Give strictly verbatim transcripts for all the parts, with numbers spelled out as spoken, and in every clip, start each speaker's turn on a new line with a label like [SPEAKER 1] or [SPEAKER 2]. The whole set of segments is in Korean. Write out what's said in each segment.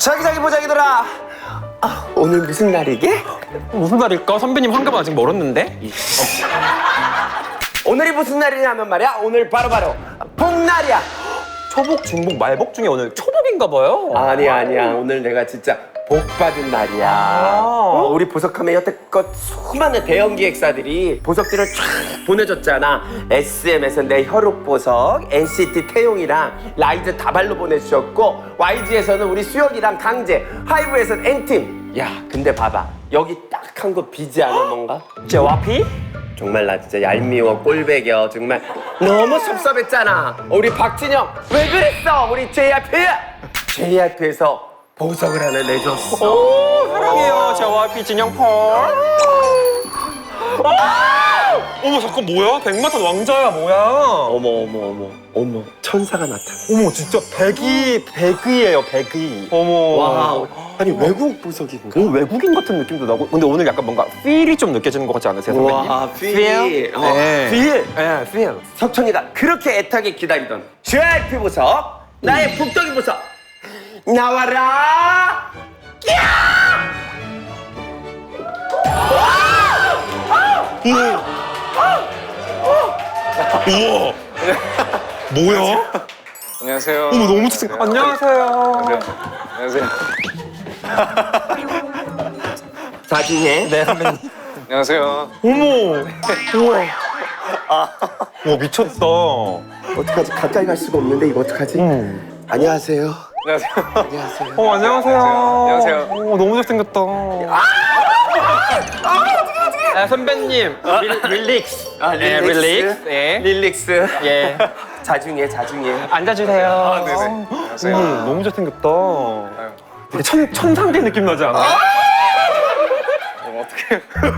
[SPEAKER 1] 자기 자기 보자기들아. 아, 오늘 무슨 날이게?
[SPEAKER 2] 무슨 날일까? 선배님 환갑은 아직 멀었는데?
[SPEAKER 1] 오늘이 무슨 날이냐면 말이야. 오늘 바로바로 복날이야.
[SPEAKER 2] 초복, 중복, 말복 중에 오늘 초복인가 봐요.
[SPEAKER 1] 아니야 아니야. 오늘 내가 진짜 복 받은 날이야. 어, 우리 보석함에 여태껏 수많은 대형 기획사들이 보석들을 쫙 보내줬잖아. 에스엠에서 내 혈육 보석, 엔시티 태용이랑 라이즈 다발로 보내주셨고, 와이지에서는 우리 수혁이랑 강재, 하이브에서는 N팀. 야 근데 봐봐, 여기 딱 한 거 비지 않아 뭔가?
[SPEAKER 2] 제와피?
[SPEAKER 1] 정말 나 진짜 얄미워 꼴배겨. 정말 너무 섭섭했잖아. 우리 박진영 왜 그랬어? 우리 제이알피 제이알피에서 보석을 하나 내줬어.
[SPEAKER 2] 오, 사랑해요. 제와피 진영펄. 어머, 잠깐 뭐야? 백마탄 왕자야, 뭐야?
[SPEAKER 1] 어머 어머 어머 어머 천사가 나타났어.
[SPEAKER 2] 어머, 진짜 백이, 백이에요, 백이. 어머.
[SPEAKER 1] 와, 아니 외국 보석인가?
[SPEAKER 2] 오, 외국인 같은 느낌도 나고. 근데 오늘 약간 뭔가 필이 좀 느껴지는 것 같지 않으세요, 선배님?
[SPEAKER 1] 와, 필.
[SPEAKER 2] 필?
[SPEAKER 1] 어,
[SPEAKER 2] 네.
[SPEAKER 1] 필.
[SPEAKER 2] 네, 필.
[SPEAKER 1] 석천이가 그렇게 애타게 기다리던 제이알피 보석, 나의 북덕이 보석 나와라.
[SPEAKER 2] 우와. 뭐야?
[SPEAKER 3] 안녕하세요.
[SPEAKER 2] 어머, 너무 좋 안녕하세요.
[SPEAKER 3] 안녕하세요.
[SPEAKER 1] 나중에
[SPEAKER 2] 네, 선배님.
[SPEAKER 3] 안녕하세요.
[SPEAKER 2] 어머. 우와. 와, 미쳤다.
[SPEAKER 1] 어떡하지? 가까이 갈 수가 없는데 이거 어떡하지?
[SPEAKER 2] 음.
[SPEAKER 1] 안녕하세요.
[SPEAKER 3] 안녕하세요.
[SPEAKER 1] 안녕하세요.
[SPEAKER 2] 어, 안녕하세요.
[SPEAKER 3] 안녕하세요.
[SPEAKER 2] 어, 너무 잘생겼다. 아, 선배님. 릴, 릴릭스.
[SPEAKER 1] 아,
[SPEAKER 2] 네,
[SPEAKER 1] 릴릭스.
[SPEAKER 2] 릴릭스. 예.
[SPEAKER 1] 릴릭스.
[SPEAKER 2] 예.
[SPEAKER 1] 자중해, 자중해.
[SPEAKER 2] 앉아주세요.
[SPEAKER 3] 아, 네네.
[SPEAKER 2] 어,
[SPEAKER 3] 안녕하세요.
[SPEAKER 2] 음, 너무 잘생겼다.
[SPEAKER 3] 아유,
[SPEAKER 2] 되게 천, 천상계 느낌 나지 않아?
[SPEAKER 3] 어, 어떡해.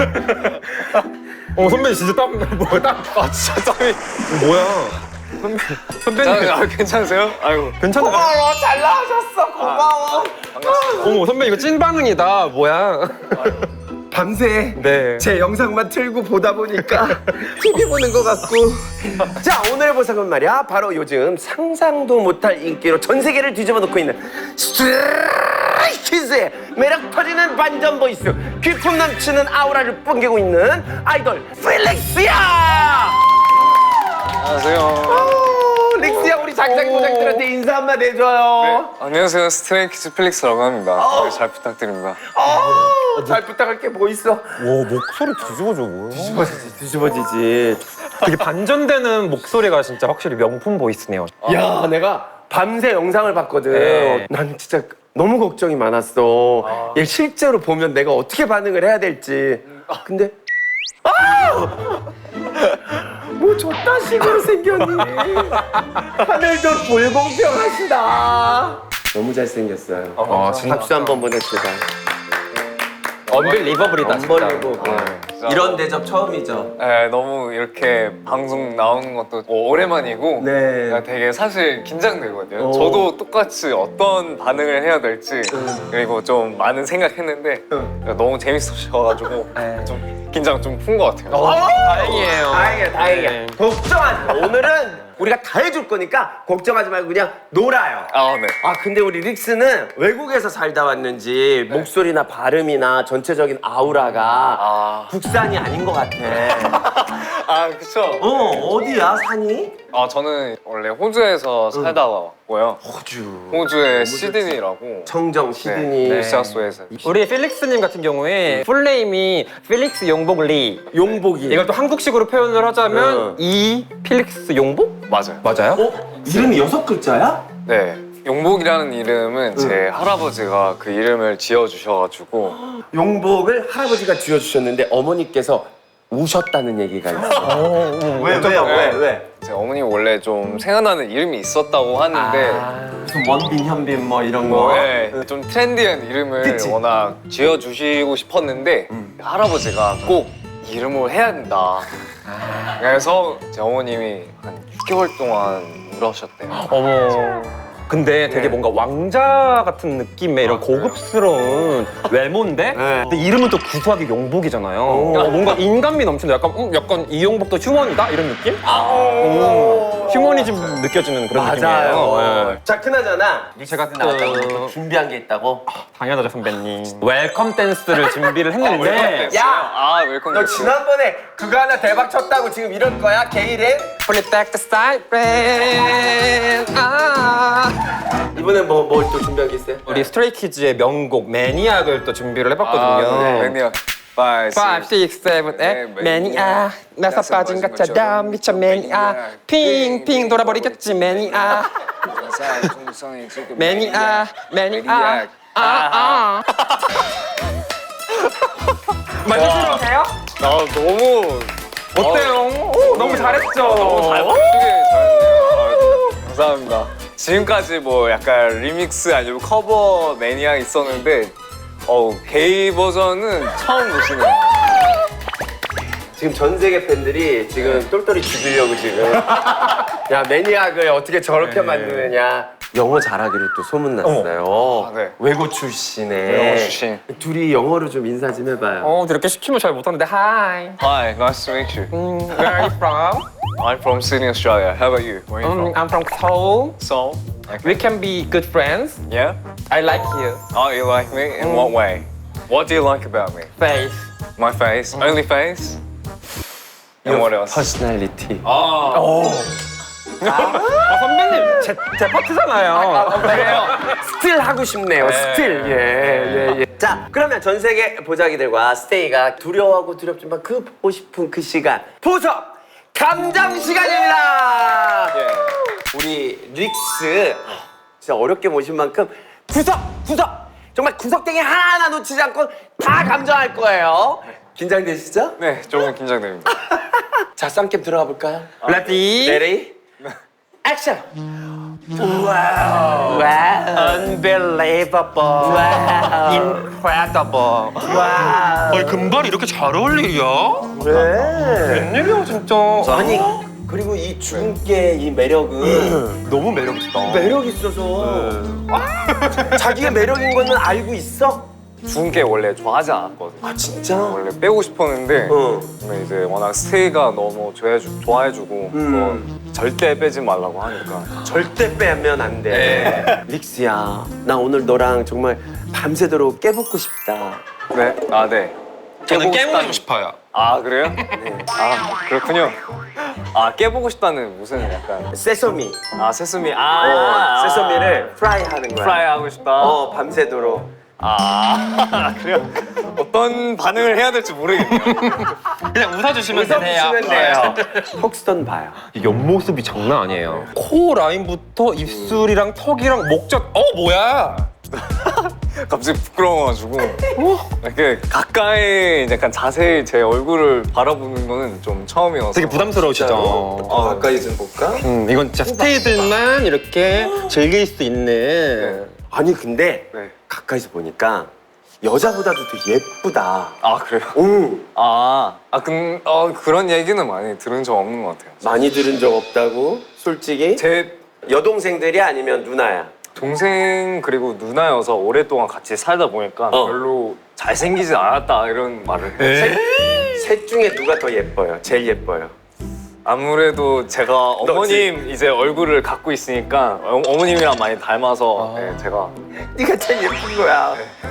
[SPEAKER 2] 어, 선배님 진짜 땀, 뭐야, 땀. 아, 진짜 땀이. 뭐야. 선배, 선배님.
[SPEAKER 3] 아, 괜찮으세요? 아이고.
[SPEAKER 2] 괜찮아.
[SPEAKER 1] 고마워, 잘 나와줬어. 고마워.
[SPEAKER 3] 반갑습니다.
[SPEAKER 2] 어머, 선배님 이거 찐 반응이다. 뭐야.
[SPEAKER 1] 밤새
[SPEAKER 2] 네.
[SPEAKER 1] 제 영상만 틀고 보다 보니까 티비 보는 것 같고. 자, 오늘 보석은 말이야, 바로 요즘 상상도 못할 인기로 전 세계를 뒤집어 놓고 있는 스트레이키즈의 매력 터지는 반전 보이스, 귀품 넘치는 아우라를 뿜기고 있는 아이돌 필릭스야.
[SPEAKER 3] 안녕하세요.
[SPEAKER 1] 어, 릭스야, 우리 자기자기 보장들한테 인사 한마디 해줘요.
[SPEAKER 3] 네, 안녕하세요. 스트레이키즈 필릭스라고 합니다. 네, 잘 부탁드립니다.
[SPEAKER 1] 어, 잘 부탁할 게 뭐 있어?
[SPEAKER 2] 와, 목소리 뒤집어져, 뭐야.
[SPEAKER 1] 뒤집어지지, 뒤집어지지.
[SPEAKER 2] 되게 반전되는 목소리가 진짜 확실히 명품 보이스네요.
[SPEAKER 1] 야, 내가 밤새 영상을 봤거든.
[SPEAKER 2] 네.
[SPEAKER 1] 난 진짜 너무 걱정이 많았어. 얘 실제로 보면 내가 어떻게 반응을 해야 될지. 근데 아! 뭐 저딴 식으로 생겼니? 하늘도 불공평하시다. 너무 잘생겼어요.
[SPEAKER 2] 아, 진짜.
[SPEAKER 1] 박수 한번 보냅시다.
[SPEAKER 2] 언빌리버블이다, 진짜.
[SPEAKER 1] 엄벌리고.
[SPEAKER 3] 아, 진짜.
[SPEAKER 1] 이런 대접 처음이죠.
[SPEAKER 3] 네, 너무 이렇게 방송 나오는 것도 오랜만이고
[SPEAKER 1] 네.
[SPEAKER 3] 제가 되게 사실 긴장되거든요.
[SPEAKER 1] 오.
[SPEAKER 3] 저도 똑같이 어떤 반응을 해야 될지 그리고 좀 많은 생각했는데 너무 재밌으셔가지고
[SPEAKER 2] 네.
[SPEAKER 3] 좀 긴장 좀 푼 것 같아요.
[SPEAKER 2] 어, 다행이에요.
[SPEAKER 1] 다행이야, 다행이야.
[SPEAKER 2] 네.
[SPEAKER 1] 걱정하지 마. 오늘은 우리가 다 해줄 거니까 걱정하지 말고 그냥 놀아요.
[SPEAKER 3] 아, 네.
[SPEAKER 1] 아, 근데 우리 릭스는 외국에서 살다 왔는지 목소리나 발음이나 전체적인 아우라가
[SPEAKER 3] 아,
[SPEAKER 1] 국산이 아닌 것 같아.
[SPEAKER 3] 아 그쵸.
[SPEAKER 1] 어, 어디야, 산이?
[SPEAKER 3] 아, 저는 원래 호주에서 살다가 왔고요.
[SPEAKER 1] 호주.
[SPEAKER 3] 호주의 시드니라고.
[SPEAKER 1] 청정, 시드니.
[SPEAKER 3] 네, 뉴사우스웨일스.
[SPEAKER 2] 우리 필릭스님 같은 경우에 풀네임이 필릭스 용복 리.
[SPEAKER 1] 용복이.
[SPEAKER 2] 이걸 또 한국식으로 표현을 하자면
[SPEAKER 1] 응.
[SPEAKER 2] 이 필릭스 용복?
[SPEAKER 3] 맞아요.
[SPEAKER 2] 맞아요?
[SPEAKER 1] 어? 이름이 여섯 글자야?
[SPEAKER 3] 네. 용복이라는 이름은 제 할아버지가 그 이름을 지어주셔가지고
[SPEAKER 1] 용복을 할아버지가 지어주셨는데 어머니께서 우셨다는 얘기가 있어. 왜, 왜요? 왜, 왜?
[SPEAKER 3] 제 어머니 원래 좀 생각나는 이름이 있었다고 하는데
[SPEAKER 2] 아.
[SPEAKER 1] 무슨 원빈, 현빈 뭐 이런 거.
[SPEAKER 3] 뭐, 네, 좀 트렌디한 이름을
[SPEAKER 1] 그치?
[SPEAKER 3] 워낙 지어주시고 싶었는데 할아버지가 꼭 이름을 해야 된다. 그래서 제 어머님이 한 육 개월 동안 울으셨대요.
[SPEAKER 2] 어머. 근데 되게
[SPEAKER 3] 네.
[SPEAKER 2] 뭔가 왕자 같은 느낌의 이런 고급스러운 외모인데
[SPEAKER 1] 네.
[SPEAKER 2] 근데 이름은 또 구수하게 용복이잖아요.
[SPEAKER 1] 오.
[SPEAKER 2] 어, 뭔가 인간미 넘치는 약간 음, 약간 이 용복도 휴먼이다 이런 느낌?
[SPEAKER 1] 오,
[SPEAKER 2] 휴머니즘 느껴지는 그런 느낌이에요.
[SPEAKER 1] 맞아요.
[SPEAKER 2] 예.
[SPEAKER 1] 자, 그나저나
[SPEAKER 2] 제가
[SPEAKER 1] 릭스 나왔다고
[SPEAKER 2] 또-
[SPEAKER 1] 또 준비한 게 있다고.
[SPEAKER 2] 당연하죠 선배님. 웰컴 댄스를 준비를 했는데
[SPEAKER 1] 야!
[SPEAKER 3] 아 웰컴.
[SPEAKER 1] 너 지난번에 그거 하나 대박 쳤다고 지금 이럴 거야? 게이렌?
[SPEAKER 2] Pull it back the siren. 아.
[SPEAKER 1] 이번엔 뭐 뭐 또 준비한 게 있어요?
[SPEAKER 2] 우리 스트레이키즈의 명곡 매니악을 또 준비를 해봤거든요.
[SPEAKER 3] 아, 네. 매니악. five,
[SPEAKER 2] five, six, seven,
[SPEAKER 3] 네,
[SPEAKER 2] eight. 매니악. 나서 빠진 것처럼 미쳐 매니악. 핑핑 돌아버리겠지 매니악. 매니악. 매니악. 아, 아. 많이 싫어하세요?
[SPEAKER 3] 아 너무
[SPEAKER 2] 어때요? 오, 너무 잘했죠?
[SPEAKER 3] 너무 잘 맞추게 잘했네요. 아, 감사합니다. 지금까지 뭐 약간 리믹스 아니면 커버 매니아 있었는데 어 게이 버전은 처음 보시네요.
[SPEAKER 1] 지금 전 세계 팬들이 지금 똘똘이 죽이려고 지금 야 매니악을 어떻게 저렇게 만드느냐. 영어 잘하기로 또 소문났어요.
[SPEAKER 3] 아, 네.
[SPEAKER 1] 외고 출신에
[SPEAKER 3] 영어 출신.
[SPEAKER 1] 둘이 영어로 좀 인사 좀 해봐요.
[SPEAKER 2] 어, 이렇게 시키면 잘 못하는데. Hi.
[SPEAKER 3] Hi, nice to meet you.
[SPEAKER 2] 음, where are you from?
[SPEAKER 3] I'm from Sydney, Australia. How about you? Where are you
[SPEAKER 2] Um,
[SPEAKER 3] from?
[SPEAKER 2] I'm from Seoul.
[SPEAKER 3] Seoul.
[SPEAKER 2] We can be good friends.
[SPEAKER 3] Yeah?
[SPEAKER 2] I like you.
[SPEAKER 3] Oh, you like me? In what way? What do you like about me?
[SPEAKER 2] Face.
[SPEAKER 3] My face? Only face? And what else?
[SPEAKER 1] 퍼스널리티.
[SPEAKER 3] Oh.
[SPEAKER 2] 아, 선배님, 제, 제 파트잖아요.
[SPEAKER 1] 그래요. 스틸 하고 싶네요. 스틸. 예, 예, 예. 자, 그러면 전 세계 보자기들과 스테이가 두려워하고 두렵지만 그 보고 싶은 그 시간. 보석 감정 시간입니다.
[SPEAKER 3] 예.
[SPEAKER 1] 우리 릭스 진짜 어렵게 모신 만큼 구석, 구석 정말 구석탱이 하나하나 놓치지 않고 다 감정할 거예요. 긴장되시죠?
[SPEAKER 3] 네, 조금 긴장됩니다.
[SPEAKER 1] 자, 쌍캠 들어가 볼까요?
[SPEAKER 2] Ready?
[SPEAKER 1] 레디 액션. 와우. 와우.
[SPEAKER 2] Unbelievable.
[SPEAKER 1] 와우.
[SPEAKER 2] Incredible.
[SPEAKER 1] 와우.
[SPEAKER 2] 아니, 금발이 이렇게 잘 어울리냐?
[SPEAKER 1] 왜?
[SPEAKER 2] 웬일이야, 진짜.
[SPEAKER 1] 아니 그리고 이 주근깨 이 매력은
[SPEAKER 2] 너무 매력있다.
[SPEAKER 1] 매력 있어서 자기의 매력인 거는 알고 있어?
[SPEAKER 3] 주근깨 원래 좋아하지 않았거든요.
[SPEAKER 1] 아 진짜?
[SPEAKER 3] 원래 빼고 싶었는데
[SPEAKER 1] 어.
[SPEAKER 3] 근데 이제 워낙 스테이가 너무 좋아해주, 좋아해주고
[SPEAKER 1] 음.
[SPEAKER 3] 또 절대 빼지 말라고 하니까
[SPEAKER 1] 절대 빼면 안 돼. 릭스야, 나 오늘 너랑 정말 밤새도록 깨붙고 싶다.
[SPEAKER 3] 네? 아 네.
[SPEAKER 2] 저는
[SPEAKER 3] 깨보고
[SPEAKER 2] 깨물고
[SPEAKER 3] 싶다는-
[SPEAKER 2] 싶어요.
[SPEAKER 3] 아 그래요? 네. 아 그렇군요. 아 깨보고 싶다는 무슨 약간
[SPEAKER 1] 세소미.
[SPEAKER 3] 아 세수미
[SPEAKER 1] 어,
[SPEAKER 3] 아
[SPEAKER 1] 세소미를 프라이 하는 거야.
[SPEAKER 3] 프라이 하고 싶다.
[SPEAKER 1] 어, 밤새도록.
[SPEAKER 3] 아 그래요? 어떤 반응을 해야 될지 모르겠네요.
[SPEAKER 2] 그냥 웃어주시면 되세요.
[SPEAKER 1] 웃어주시면 돼요. 폭스턴 봐요.
[SPEAKER 2] 이 옆모습이 장난 아니에요. 코 라인부터 입술이랑 턱이랑 목젖. 어, 뭐야?
[SPEAKER 3] 갑자기 부끄러워가지고 이렇게 가까이 약간 자세히 제 얼굴을 바라보는 거는 좀 처음이어서
[SPEAKER 2] 되게 부담스러우시죠?
[SPEAKER 1] 더 가까이 좀 볼까?
[SPEAKER 2] 음, 이건 진짜 스테이들만 이렇게 즐길 수 있는.
[SPEAKER 1] 아니 근데
[SPEAKER 3] 네.
[SPEAKER 1] 가까이서 보니까 여자보다도 더 예쁘다.
[SPEAKER 3] 아 그래요?
[SPEAKER 1] 오,
[SPEAKER 3] 아, 아 근, 어, 그런 얘기는 많이 들은 적 없는 것 같아요.
[SPEAKER 1] 많이 들은 적 없다고? 솔직히?
[SPEAKER 3] 제
[SPEAKER 1] 여동생들이 아니면 누나야?
[SPEAKER 3] 동생 그리고 누나여서 오랫동안 같이 살다 보니까
[SPEAKER 1] 어.
[SPEAKER 3] 별로 잘생기지 않았다 이런 말을 해요.
[SPEAKER 1] 셋 중에 누가 더 예뻐요? 제일 예뻐요?
[SPEAKER 3] 아무래도 제가 어머님 이제 얼굴을 갖고 있으니까 어, 어머님이랑 많이 닮아서 네, 제가
[SPEAKER 1] 네가 제일 예쁜 거야.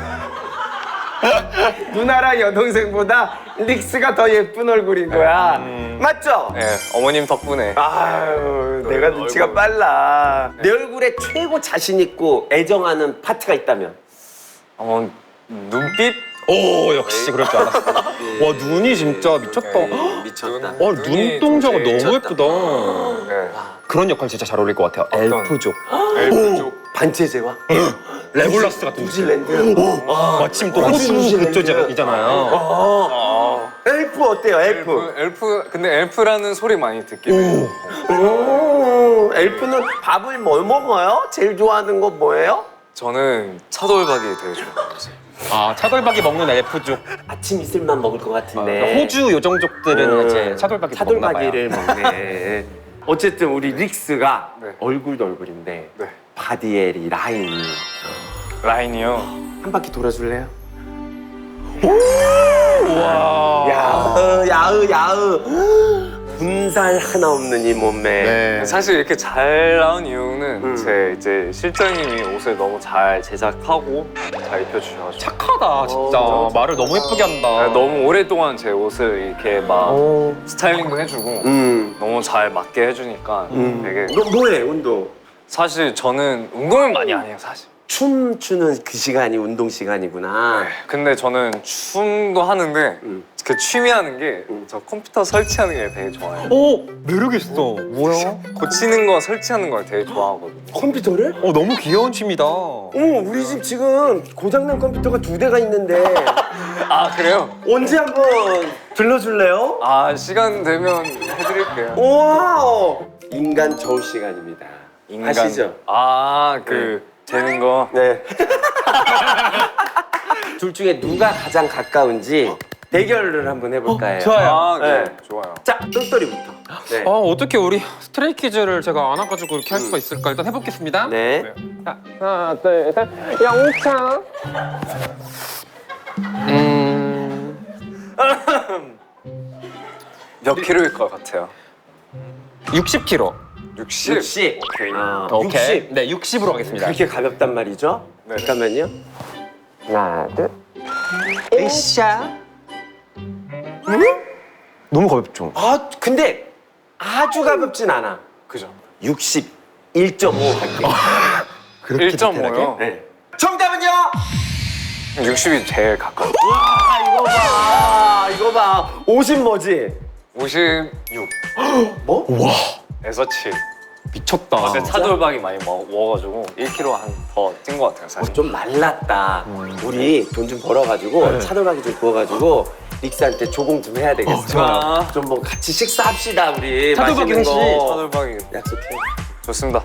[SPEAKER 1] 누나랑 여동생보다 릭스가 더 예쁜 얼굴인 거야. 맞죠?
[SPEAKER 3] 네, 어머님 덕분에
[SPEAKER 1] 아유,
[SPEAKER 3] 또
[SPEAKER 1] 내가 눈치가
[SPEAKER 3] 얼굴.
[SPEAKER 1] 빨라. 내 얼굴에 최고 자신 있고 애정하는 파트가 있다면?
[SPEAKER 3] 어, 눈빛?
[SPEAKER 2] 오, 역시 그럴 줄 알았어. 와, 눈이 진짜 미쳤다.
[SPEAKER 3] 네.
[SPEAKER 1] 미쳤다.
[SPEAKER 2] 와,
[SPEAKER 3] 눈이
[SPEAKER 2] 눈동자가
[SPEAKER 3] 되게
[SPEAKER 2] 너무 예쁘다.
[SPEAKER 3] 네.
[SPEAKER 2] 그런 역할 진짜 잘 어울릴 것 같아요.
[SPEAKER 3] 어떤?
[SPEAKER 2] 엘프족.
[SPEAKER 3] 엘프족.
[SPEAKER 1] 반체제와
[SPEAKER 2] 레골라스 같은
[SPEAKER 1] 뉴질랜드.
[SPEAKER 2] 마침 또
[SPEAKER 1] 호주
[SPEAKER 2] 호주
[SPEAKER 1] 뉴질랜드.
[SPEAKER 2] 그쪽이잖아요.
[SPEAKER 1] 어. 엘프 어때요? 엘프.
[SPEAKER 3] 엘프, 엘프, 근데 엘프라는 소리 많이 듣긴 해요.
[SPEAKER 1] 오, 엘프는 밥을 뭐 먹어요? 제일 좋아하는 거 뭐예요?
[SPEAKER 3] 저는 차돌박이 되게 좋아해요.
[SPEAKER 2] 아, 차돌박이 먹는 엘프족.
[SPEAKER 1] 아침 이슬만 먹을 것 같은데.
[SPEAKER 2] 그러니까 호주 요정족들은
[SPEAKER 1] 음,
[SPEAKER 2] 이제 차돌박이 먹나 봐요.
[SPEAKER 1] 차돌박이를 먹네. 어쨌든 우리 릭스가
[SPEAKER 3] 네.
[SPEAKER 1] 얼굴도 얼굴인데
[SPEAKER 3] 네.
[SPEAKER 1] 바디엘이 라인이
[SPEAKER 3] 라인이요.
[SPEAKER 1] 한 바퀴 돌아줄래요?
[SPEAKER 2] 와.
[SPEAKER 1] 야으 야으 야으 군살 하나 없는 이 몸매.
[SPEAKER 2] 네.
[SPEAKER 3] 사실 이렇게 잘 나온 이유는
[SPEAKER 1] 음.
[SPEAKER 3] 제 이제 실장님이 옷을 너무 잘 제작하고 잘 입혀주셔가지고
[SPEAKER 2] 착하다 진짜.
[SPEAKER 1] 어,
[SPEAKER 2] 말을 너무 예쁘게 한다.
[SPEAKER 3] 네, 너무 오랫동안 제 옷을 이렇게 막
[SPEAKER 1] 어.
[SPEAKER 3] 스타일링도 해주고
[SPEAKER 1] 음.
[SPEAKER 3] 너무 잘 맞게 해주니까
[SPEAKER 1] 음.
[SPEAKER 3] 되게
[SPEAKER 1] 너 뭐해 운동?
[SPEAKER 3] 사실 저는 운동을 많이 안 해요 사실.
[SPEAKER 1] 춤 추는 그 시간이 운동 시간이구나.
[SPEAKER 3] 근데 저는 춤도 하는데
[SPEAKER 1] 음.
[SPEAKER 3] 그 취미하는 게
[SPEAKER 1] 음.
[SPEAKER 3] 저 컴퓨터 설치하는 게 되게 좋아해요.
[SPEAKER 2] 오 매력 있어. 뭐야?
[SPEAKER 3] 고치는 거 설치하는 걸 되게 좋아하거든요.
[SPEAKER 1] 컴퓨터를?
[SPEAKER 2] 어 너무 귀여운 취미다.
[SPEAKER 1] 어머 우리 집 지금 고장난 컴퓨터가 두 대가 있는데
[SPEAKER 3] 아 그래요?
[SPEAKER 1] 언제 한번 들려줄래요?
[SPEAKER 3] 아 시간 되면 해드릴게요.
[SPEAKER 1] 우와 인간 저울 시간입니다. 아시죠?
[SPEAKER 3] 아그 재는 거.
[SPEAKER 1] 네. 둘 중에 누가 가장 가까운지 대결을 한번 해볼까요?
[SPEAKER 2] 어, 좋아요.
[SPEAKER 3] 아 네.
[SPEAKER 1] 네.
[SPEAKER 3] 좋아요.
[SPEAKER 1] 자 똘똘이부터. 네.
[SPEAKER 2] 아 어떻게 우리 스트레이키즈를 제가 안 와가지고 이렇게 할 수가 있을까? 일단 해보겠습니다.
[SPEAKER 1] 네.
[SPEAKER 2] 자, 하나, 둘, 셋. 영차. 음.
[SPEAKER 3] 몇 킬로일 것 같아요?
[SPEAKER 2] 육십 킬로그램.
[SPEAKER 3] 육십.
[SPEAKER 1] 육십.
[SPEAKER 3] 오케이.
[SPEAKER 1] 아,
[SPEAKER 2] 오케이.
[SPEAKER 1] 육십.
[SPEAKER 2] 네, 육십으로 하겠습니다.
[SPEAKER 1] 그렇게 가볍단 말이죠?
[SPEAKER 3] 네.
[SPEAKER 1] 잠깐만요. 하나, 둘. 으쌰.
[SPEAKER 2] 너무 가볍죠?
[SPEAKER 1] 아, 근데 아주 가볍진 않아.
[SPEAKER 3] 그죠.
[SPEAKER 1] 육십일 점 오 할게요.
[SPEAKER 3] 일 점 오요?
[SPEAKER 1] 네. 정답은요?
[SPEAKER 3] 육십이 제일 가까워.
[SPEAKER 1] 와, 이거 봐. 이거 봐. 오십 뭐지?
[SPEAKER 3] 오십육.
[SPEAKER 1] 뭐?
[SPEAKER 3] 에서 칠.
[SPEAKER 2] 미쳤다.
[SPEAKER 3] 어제 차돌박이 많이 먹, 먹어가지고 일 킬로그램 한 더 찐 것 같아요
[SPEAKER 1] 어,
[SPEAKER 3] 사실.
[SPEAKER 1] 좀 말랐다. 우리 돈 좀 벌어가지고
[SPEAKER 2] 네.
[SPEAKER 1] 차돌박이 좀 구워가지고 릭스한테 조공 좀 해야 되겠어.
[SPEAKER 2] 어, 좋아요.
[SPEAKER 1] 좀 뭐 같이 식사합시다 우리.
[SPEAKER 2] 차돌박이
[SPEAKER 1] 맛있는
[SPEAKER 2] 회식.
[SPEAKER 1] 거.
[SPEAKER 3] 차돌박이
[SPEAKER 1] 약속해.
[SPEAKER 3] 좋습니다.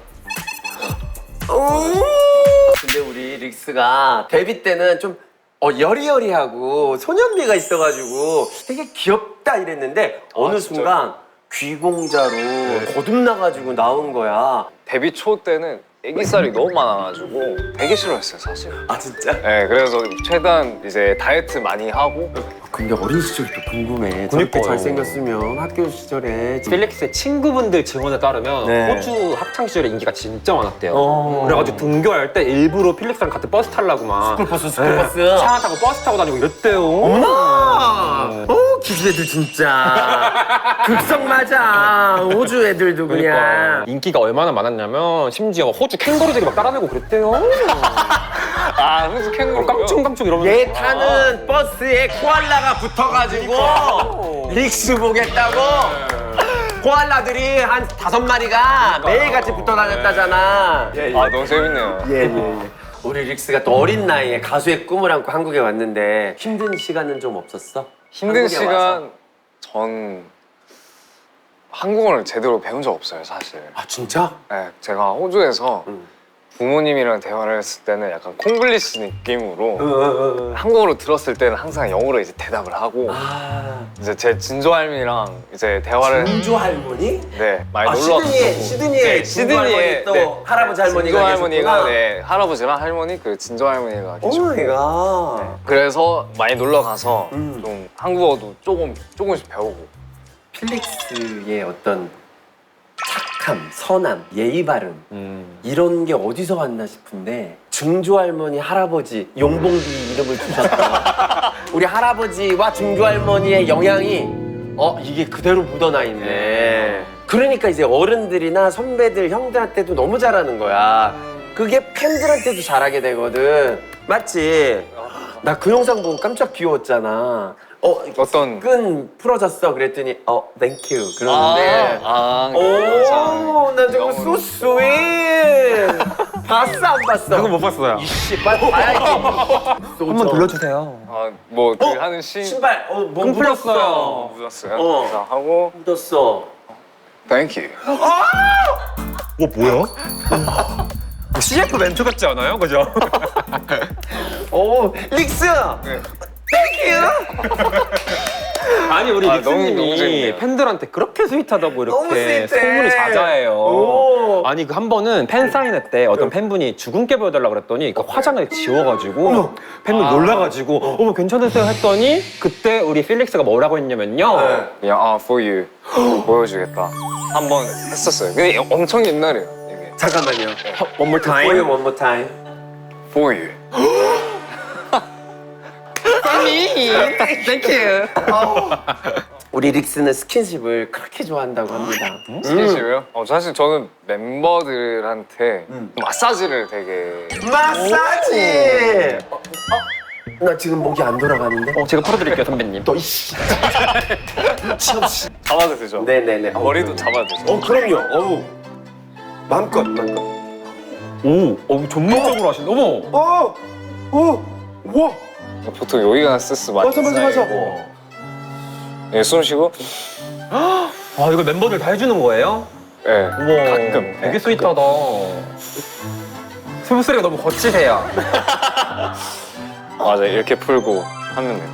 [SPEAKER 1] 근데 우리 릭스가 데뷔 때는 좀 어, 여리여리하고 소년미가 있어가지고 되게 귀엽다 이랬는데 어느
[SPEAKER 3] 진짜요?
[SPEAKER 1] 순간 귀공자로 거듭나가지고 나온 거야.
[SPEAKER 3] 데뷔 초 때는 애기살이 너무 많아가지고 되게 싫어했어요 사실.
[SPEAKER 1] 아 진짜?
[SPEAKER 3] 네, 그래서 최대한 이제 다이어트 많이 하고.
[SPEAKER 1] 근데 어린 시절도 궁금해. 저렇게
[SPEAKER 2] 그러니까요.
[SPEAKER 1] 잘생겼으면 학교 시절에
[SPEAKER 2] 필릭스의 친구분들 증언에 따르면
[SPEAKER 1] 네.
[SPEAKER 2] 호주 학창 시절에 인기가 진짜 많았대요.
[SPEAKER 1] 어.
[SPEAKER 2] 그래가지고 등교할 때 일부러 필릭스랑 같은 버스 타려고 막
[SPEAKER 1] 스쿨버스
[SPEAKER 2] 네.
[SPEAKER 1] 스쿨버스.
[SPEAKER 2] 차 타고 버스 타고 다니고 이랬대요.
[SPEAKER 1] 어머나! 어, 기주 애들 진짜. 극성 맞아. 호주 애들도 그냥.
[SPEAKER 2] 그러니까 인기가 얼마나 많았냐면 심지어 호주 캥거루들이 막 따라내고 그랬대요.
[SPEAKER 3] 아 호주 캥거루.
[SPEAKER 2] 깡충깡충 이러면서.
[SPEAKER 1] 얘 타는 버스에 코알라가 붙어가지고 릭스 보겠다고 코알라들이 한 다섯 마리가 매일같이 붙어 다녔다잖아. 예, 예.
[SPEAKER 3] 아 너무 재밌네요.
[SPEAKER 1] 예, 예, 예. 우리 릭스가 또 어린 나이에 가수의 꿈을 안고 한국에 왔는데 힘든 시간은 좀 없었어?
[SPEAKER 3] 힘든
[SPEAKER 1] 한국에
[SPEAKER 3] 시간
[SPEAKER 1] 와서?
[SPEAKER 3] 전 한국어를 제대로 배운 적 없어요 사실.
[SPEAKER 1] 아 진짜?
[SPEAKER 3] 네, 제가 호주에서
[SPEAKER 1] 응.
[SPEAKER 3] 부모님이랑 대화를 했을 때는 약간 콩글리시 느낌으로
[SPEAKER 1] 응, 응, 응.
[SPEAKER 3] 한국어로 들었을 때는 항상 영어로 이제 대답을 하고
[SPEAKER 1] 아
[SPEAKER 3] 이제 제 진조 할머니랑 이제 대화를
[SPEAKER 1] 진조 할머니?
[SPEAKER 3] 네 많이
[SPEAKER 1] 아,
[SPEAKER 3] 놀러
[SPEAKER 1] 시드니에
[SPEAKER 3] 왔었고.
[SPEAKER 1] 시드니에
[SPEAKER 3] 네,
[SPEAKER 1] 진조 할머니 또
[SPEAKER 3] 네.
[SPEAKER 1] 할아버지 할머니가
[SPEAKER 3] 진조 할머니가
[SPEAKER 1] 계셨구나.
[SPEAKER 3] 네 할아버지랑 할머니 그 진조 할머니가 계셨고
[SPEAKER 1] 오마이갓.
[SPEAKER 3] 그래서 많이 놀러 가서
[SPEAKER 1] 음.
[SPEAKER 3] 좀 한국어도 조금 조금씩 배우고.
[SPEAKER 1] 필릭스의 어떤 착함, 선함, 예의 바름
[SPEAKER 2] 음.
[SPEAKER 1] 이런 게 어디서 왔나 싶은데 증조 할머니, 할아버지 용봉기 이름을 주셨다. 우리 할아버지와 증조 할머니의 영향이 어 이게 그대로 묻어나 있네. 그러니까 이제 어른들이나 선배들, 형들한테도 너무 잘하는 거야. 그게 팬들한테도 잘하게 되거든. 맞지? 나 그 영상 보고 깜짝 귀여웠잖아. 어,
[SPEAKER 3] 어떤
[SPEAKER 1] 끈 풀어졌어 그랬더니 어 땡큐 그러는데
[SPEAKER 3] 아,
[SPEAKER 1] 오, 나 저거
[SPEAKER 3] 너무-
[SPEAKER 1] so sweet. 봤어 안 봤어?
[SPEAKER 2] 그거 못 봤어요.
[SPEAKER 1] 이씨 빨리 봐야지.
[SPEAKER 2] 한번 불러주세요.
[SPEAKER 3] 아, 뭐 그
[SPEAKER 1] 어?
[SPEAKER 3] 하는 시
[SPEAKER 1] 신발 어뭐
[SPEAKER 2] 끈
[SPEAKER 1] 묻었어.
[SPEAKER 2] 풀렸어요.
[SPEAKER 3] 묻었어요.
[SPEAKER 1] 어.
[SPEAKER 3] 그래서 하고
[SPEAKER 1] 묻었어.
[SPEAKER 3] 땡큐.
[SPEAKER 2] 어 뭐야? 씨에프 멘트 같지 않아요? 그죠?
[SPEAKER 1] 오 릭스.
[SPEAKER 3] 네.
[SPEAKER 1] 땡큐.
[SPEAKER 2] 아니 우리
[SPEAKER 3] 아, 너무- 너무
[SPEAKER 2] 릭스님이
[SPEAKER 3] 재밌네요.
[SPEAKER 2] 팬들한테 그렇게 스윗하다고
[SPEAKER 1] 너무
[SPEAKER 2] 이렇게
[SPEAKER 1] 스윗해.
[SPEAKER 2] 소문이 자자해요.
[SPEAKER 1] 오. 어머.
[SPEAKER 2] 아니 그 한 번은 팬 사인회 때 어떤 팬분이 주근깨 보여달라 그랬더니 그 화장을 지워가지고 팬분 놀라가지고 어머 괜찮으세요 했더니 그때 우리 필릭스가 뭐라고 했냐면요.
[SPEAKER 3] 그냥 아 for you 보여주겠다 한 번 했었어요. 근데 엄청 옛날이에요 이게.
[SPEAKER 1] 잠깐만요.
[SPEAKER 2] One more
[SPEAKER 1] For you one more time.
[SPEAKER 3] for you.
[SPEAKER 2] Thank you.
[SPEAKER 1] 우리 릭스는 스킨십을 그렇게 좋아한다고 합니다.
[SPEAKER 3] 스킨십이요? 어, 사실 저는 멤버들한테 마사지를 되게
[SPEAKER 1] 마사지. 어, 어? 나 지금 목이 안 돌아가는데.
[SPEAKER 2] 어, 제가 풀어드릴게요 선배님.
[SPEAKER 1] 너 이씨.
[SPEAKER 3] 잡아도 되죠?
[SPEAKER 1] 네네네. 어,
[SPEAKER 3] 머리도 잡아도 되죠?
[SPEAKER 1] 어 그럼요. 어우. 마음껏 마음껏.
[SPEAKER 2] 오, 어, 전문적으로 하시네. 어머.
[SPEAKER 1] 어. 어. 와.
[SPEAKER 3] 보통 여기가 스트레스 많이
[SPEAKER 1] 맞아 맞아 맞아.
[SPEAKER 3] 쌓이고 예, 숨 쉬고
[SPEAKER 2] 아 이거 멤버들 다 해주는 거예요?
[SPEAKER 3] 예,
[SPEAKER 2] 우와.
[SPEAKER 3] 가끔
[SPEAKER 2] 되게
[SPEAKER 3] 예,
[SPEAKER 2] 스윗하다. 숨소리가 너무 거치세요.
[SPEAKER 3] 맞아 이렇게 풀고 하면 돼요.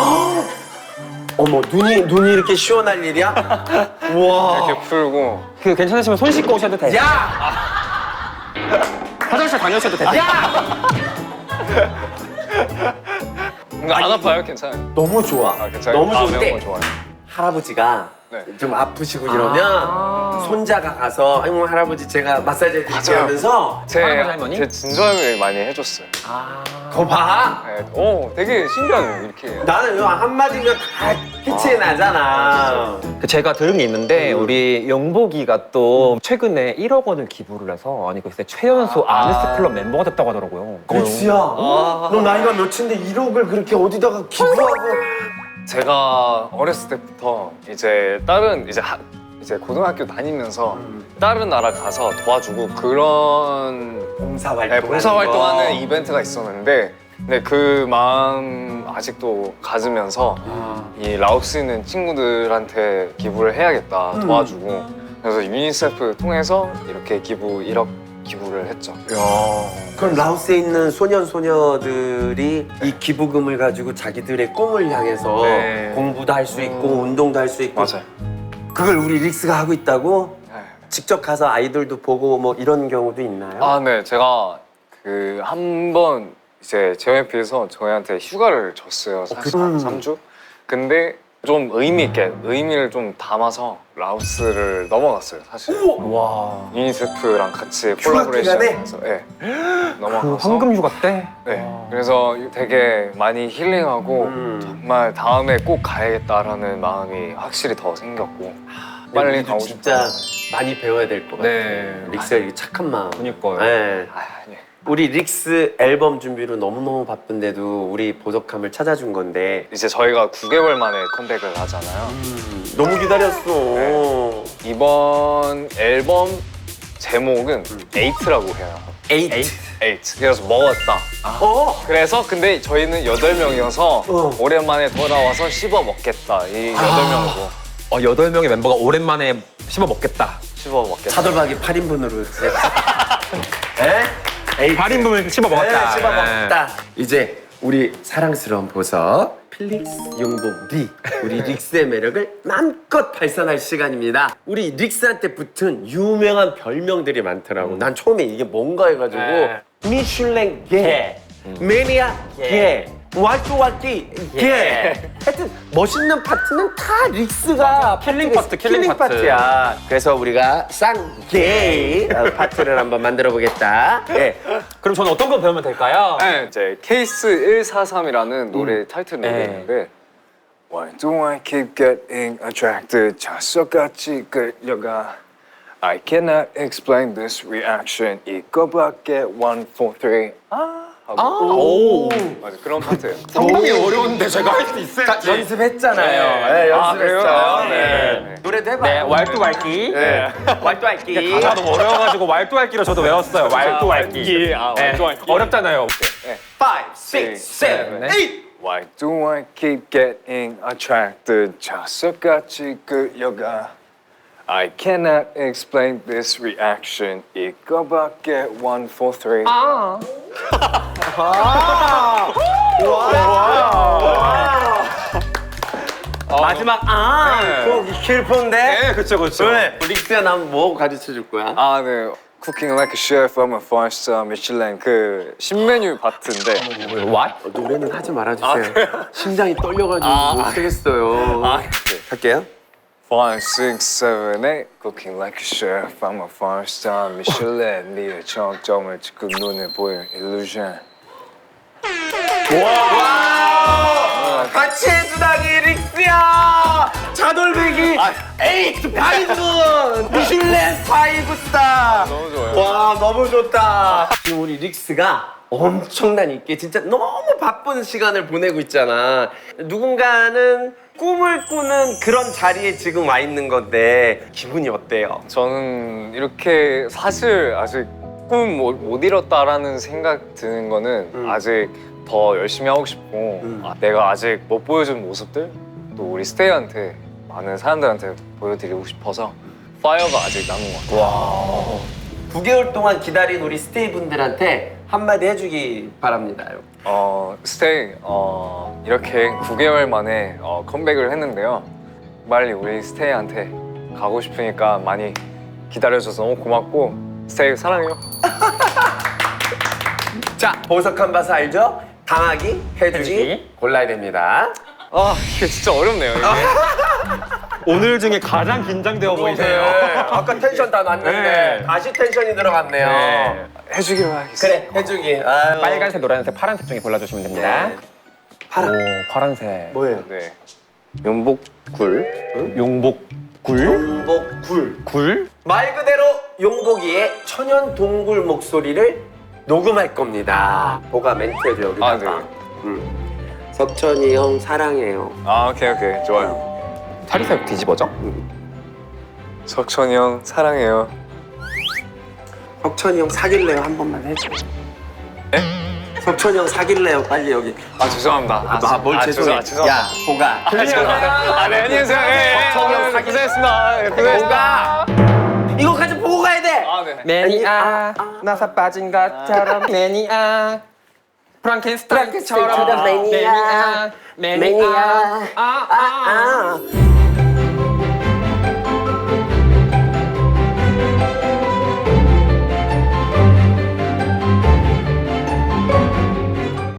[SPEAKER 1] 어머 눈이 눈이 이렇게 시원할 일이야? 우와.
[SPEAKER 3] 이렇게 풀고
[SPEAKER 2] 그 괜찮으시면 손 씻고 오셔도 돼요.
[SPEAKER 1] 야.
[SPEAKER 2] 화장실 다녀오셔도 돼요.
[SPEAKER 3] 뭔가 안 아파요? 괜찮아요?
[SPEAKER 1] 너무 좋아.
[SPEAKER 3] 아, 괜찮아요?
[SPEAKER 1] 너무
[SPEAKER 3] 아,
[SPEAKER 1] 좋은데
[SPEAKER 3] 매운 거 좋아요.
[SPEAKER 1] 할아버지가
[SPEAKER 3] 네.
[SPEAKER 1] 좀 아프시고 이러면
[SPEAKER 2] 아.
[SPEAKER 1] 손자가 가서 아이고 할아버지 제가 마사지 해드릴게요
[SPEAKER 3] 맞아요.
[SPEAKER 1] 하면서
[SPEAKER 3] 제,
[SPEAKER 2] 할아버지, 할머니?
[SPEAKER 3] 제 진저할머니 많이 해줬어요.
[SPEAKER 1] 거 봐.
[SPEAKER 3] 네. 오, 되게 신기하네요 이렇게.
[SPEAKER 1] 나는 요 한마디면 다 끝이 나잖아.
[SPEAKER 2] 그 제가 들은 게 있는데 우리 영복이가 또 최근에 일억 원을 기부를 해서 아니 글쎄 최연소 아. 아네스 클럽 멤버가 됐다고 하더라고요.
[SPEAKER 1] 릭스야, 너 나이가 몇인데 일억을 그렇게 어디다가 기부하고?
[SPEAKER 3] 제가 어렸을 때부터 이제 다른 이제 하, 이제 고등학교 다니면서 다른 나라 가서 도와주고 그런
[SPEAKER 1] 봉사활동.
[SPEAKER 3] 네, 봉사활동하는 이벤트가 있었는데 근데 그 마음 아직도 가지면서 이 라오스에 있는 친구들한테 기부를 해야겠다 도와주고 그래서 유니세프 통해서 이렇게 기부 일억 기부를 했죠.
[SPEAKER 1] 그럼 라오스에 있는 소년 소녀들이 이 기부금을 가지고 자기들의 꿈을 향해서
[SPEAKER 2] 네.
[SPEAKER 1] 공부도 할 수 있고 운동도 할 수 있고.
[SPEAKER 3] 맞아요.
[SPEAKER 1] 그걸 우리 릭스가 하고 있다고?
[SPEAKER 3] 네.
[SPEAKER 1] 직접 가서 아이돌도 보고 뭐 이런 경우도 있나요?
[SPEAKER 3] 아, 네. 제가 그 한 번 이제 제이와이피에서 저희한테 휴가를 줬어요. 사실
[SPEAKER 1] 음.
[SPEAKER 3] 삼 주. 근데 좀 의미 있게 의미를 좀 담아서 라오스를 넘어갔어요. 사실.
[SPEAKER 2] 와.
[SPEAKER 3] 유니세프랑 같이
[SPEAKER 1] 휴가 기간에?
[SPEAKER 3] 콜라보레이션해서 네.
[SPEAKER 2] 그
[SPEAKER 3] 넘어가서
[SPEAKER 2] 황금 휴가 때?
[SPEAKER 3] 네. 그래서 되게 많이 힐링하고
[SPEAKER 1] 음.
[SPEAKER 3] 정말 다음에 꼭 가야겠다라는 마음이 확실히 더 생겼고 빨리
[SPEAKER 1] 우리도
[SPEAKER 3] 가고
[SPEAKER 1] 진짜
[SPEAKER 3] 싶다.
[SPEAKER 1] 많이 배워야 될 것 같아요.
[SPEAKER 2] 네.
[SPEAKER 1] 릭스가 이 착한 마음.
[SPEAKER 2] 그니까요.
[SPEAKER 1] 네.
[SPEAKER 3] 아, 아니.
[SPEAKER 1] 우리 릭스 앨범 준비로 너무너무 바쁜데도 우리 보석함을 찾아준 건데
[SPEAKER 3] 이제 저희가 구 개월 만에 컴백을 하잖아요.
[SPEAKER 1] 음, 너무 기다렸어.
[SPEAKER 3] 네. 이번 앨범 제목은 에이트라고 해요.
[SPEAKER 1] 에이트.
[SPEAKER 3] 에이트. 그래서 먹었다.
[SPEAKER 1] 어?
[SPEAKER 3] 그래서 근데 저희는 여덟 명이어서
[SPEAKER 1] 어.
[SPEAKER 3] 오랜만에 돌아와서 씹어 먹겠다. 이 여덟 명으로
[SPEAKER 2] 어, 여덟 명의 멤버가 오랜만에 씹어 먹겠다.
[SPEAKER 3] 씹어 먹겠다.
[SPEAKER 1] 차돌박이 팔 인분으로. 에? 에이트.
[SPEAKER 2] 팔 인분을 씹어 먹었다.
[SPEAKER 1] 네, 씹어 먹었다. 이제 우리 사랑스러운 보석 필릭스, 용복, 리 우리 릭스의 매력을 마음껏 발산할 시간입니다. 우리 릭스한테 붙은 유명한 별명들이 많더라고. 난 처음에 이게 뭔가 해가지고
[SPEAKER 2] 네.
[SPEAKER 1] 미슐랭 게, 매니아 게, 왈뚜왈기 게. 하여튼 멋있는 파트는 다 릭스가
[SPEAKER 2] 킬링
[SPEAKER 1] 파트가
[SPEAKER 2] 파트, 킬링 파트.
[SPEAKER 1] 파트야. 그래서 우리가 쌍게이 파트를 한번 만들어 보겠다. 네.
[SPEAKER 2] 그럼 저는 어떤 거 배우면 될까요?
[SPEAKER 3] 네, 이제 케이스 일사삼이라는 노래 타이틀
[SPEAKER 2] 네.
[SPEAKER 3] 노래인데 Why do I keep getting attracted? 자석같이 끌려가 I cannot explain this reaction 이거밖에 one, four, three 아 하고
[SPEAKER 2] 오.
[SPEAKER 3] 맞아 그런 파트예요.
[SPEAKER 2] 상당히 어려운데 제가 할 수 있을지.
[SPEAKER 1] 연습했잖아요.
[SPEAKER 3] 네.
[SPEAKER 1] 네,
[SPEAKER 3] 아,
[SPEAKER 1] 연습했어요.
[SPEAKER 3] 그래요?
[SPEAKER 1] 네.
[SPEAKER 3] 네.
[SPEAKER 1] 노래도 해봐.
[SPEAKER 2] 네, 왈뚜왈기.
[SPEAKER 1] 네. 왈뚜왈기.
[SPEAKER 2] 가사가 너무 어려워가지고 왈뚜왈기로 저도 외웠어요. 왈뚜왈기.
[SPEAKER 3] 아,
[SPEAKER 2] 네,
[SPEAKER 3] 왈뚜왈기.
[SPEAKER 2] 어렵잖아요.
[SPEAKER 3] 네.
[SPEAKER 1] five, six, seven,
[SPEAKER 2] 네.
[SPEAKER 1] eight.
[SPEAKER 3] Why do I keep getting attracted? 자석같이 끌려가 I cannot explain this reaction 이거밖에 one, four, three
[SPEAKER 2] 아.
[SPEAKER 1] 마지막 아
[SPEAKER 3] 네.
[SPEAKER 1] 그거 킬폰데.
[SPEAKER 2] 네, 그쵸, 그쵸.
[SPEAKER 1] 네. 릭스야 난 뭐 가르쳐 줄 거야?
[SPEAKER 3] 아, 네. Cooking like a chef, I'm a five star Michelin 그 신메뉴 파트인데.
[SPEAKER 2] What?
[SPEAKER 1] 어, 노래는 하지 말아주세요. 심장이 떨려가지고 못 하겠어요.
[SPEAKER 3] 아,
[SPEAKER 1] 할게요.
[SPEAKER 3] five, six, seven, eight. Cooking like a chef, I'm a five star Michelin. 네 정점을 지금 눈에 보여 illusion.
[SPEAKER 1] 와! 같이 해주다니 릭스야! 차돌배기 에이트 파이브! 미슐랭 파이브 스타!
[SPEAKER 3] 너무 좋아요.
[SPEAKER 1] 와 너무 좋다. 지금 우리 릭스가 엄청난 있게 진짜 너무 바쁜 시간을 보내고 있잖아. 누군가는 꿈을 꾸는 그런 자리에 지금 와 있는 건데 기분이 어때요?
[SPEAKER 3] 저는 이렇게 사실 아직 꿈 못 이뤘다라는 생각 드는 거는
[SPEAKER 1] 음.
[SPEAKER 3] 아직 더 열심히 하고 싶고
[SPEAKER 1] 음.
[SPEAKER 3] 아, 내가 아직 못 보여준 모습들 또 우리 스테이한테 많은 사람들한테 보여드리고 싶어서 파이어가 아직 남은 것 같아요.
[SPEAKER 1] 구 개월 동안 기다린 우리 스테이 분들한테 한마디 해주기 바랍니다.
[SPEAKER 3] 어, 스테이 어, 이렇게 구 개월 만에 어, 컴백을 했는데요. 빨리 우리 스테이한테 가고 싶으니까 많이 기다려줘서 너무 고맙고 스테이 사랑해요.
[SPEAKER 1] 자 보석한 바스 알죠? 당하기, 해주기,
[SPEAKER 2] 해주기.
[SPEAKER 1] 골라야 됩니다.
[SPEAKER 3] 아 이게 진짜 어렵네요. 이게.
[SPEAKER 2] 오늘 중에 가장 긴장되어 보이세요.
[SPEAKER 1] 아까 텐션 다 났는데
[SPEAKER 2] 네.
[SPEAKER 1] 다시 텐션이 들어갔네요.
[SPEAKER 2] 네.
[SPEAKER 3] 해주기로 하겠습니다.
[SPEAKER 1] 그래 해주기. 아유.
[SPEAKER 2] 빨간색, 노란색, 파란색 중에 골라주시면 됩니다.
[SPEAKER 1] 파란.
[SPEAKER 2] 오, 파란색.
[SPEAKER 1] 뭐예요?
[SPEAKER 3] 네. 연복굴.
[SPEAKER 2] 용복굴?
[SPEAKER 1] 용복굴.
[SPEAKER 2] 굴?
[SPEAKER 1] 말 그대로 용복이의 천연 동굴 목소리를 녹음할 겁니다. 보가 멘트해줘 여기다가.
[SPEAKER 3] 아, 네.
[SPEAKER 1] 음. 석천이 형 사랑해요.
[SPEAKER 3] 아 오케이 오케이 좋아요.
[SPEAKER 2] 사리사욕 뒤집어져?
[SPEAKER 3] 석천이 형 사랑해요.
[SPEAKER 1] 석천이 형 사귈래요 한 번만 해줘. 석천이 형 사귈래요 빨리 여기.
[SPEAKER 3] 아 죄송합니다.
[SPEAKER 1] 아, 아, 뭘
[SPEAKER 3] 아,
[SPEAKER 1] 죄송해.
[SPEAKER 3] 죄송-
[SPEAKER 1] 야 보가.
[SPEAKER 3] 아, 죄송합니다. 아, 네, 안녕히 계세요. 예, 예.
[SPEAKER 1] 석천이 형
[SPEAKER 3] 아,
[SPEAKER 1] 사귀-
[SPEAKER 3] 고생했습니다. 예, 고생했습니다.
[SPEAKER 1] 보가. 이거까지 보고 가야 돼.
[SPEAKER 3] 아, 네.
[SPEAKER 2] 매니아 나사 빠진 것처럼 매니아 프랑켄스타인처럼
[SPEAKER 1] 프랑켄스타인 매니아.
[SPEAKER 2] 매니아 매니아
[SPEAKER 1] 아, 아.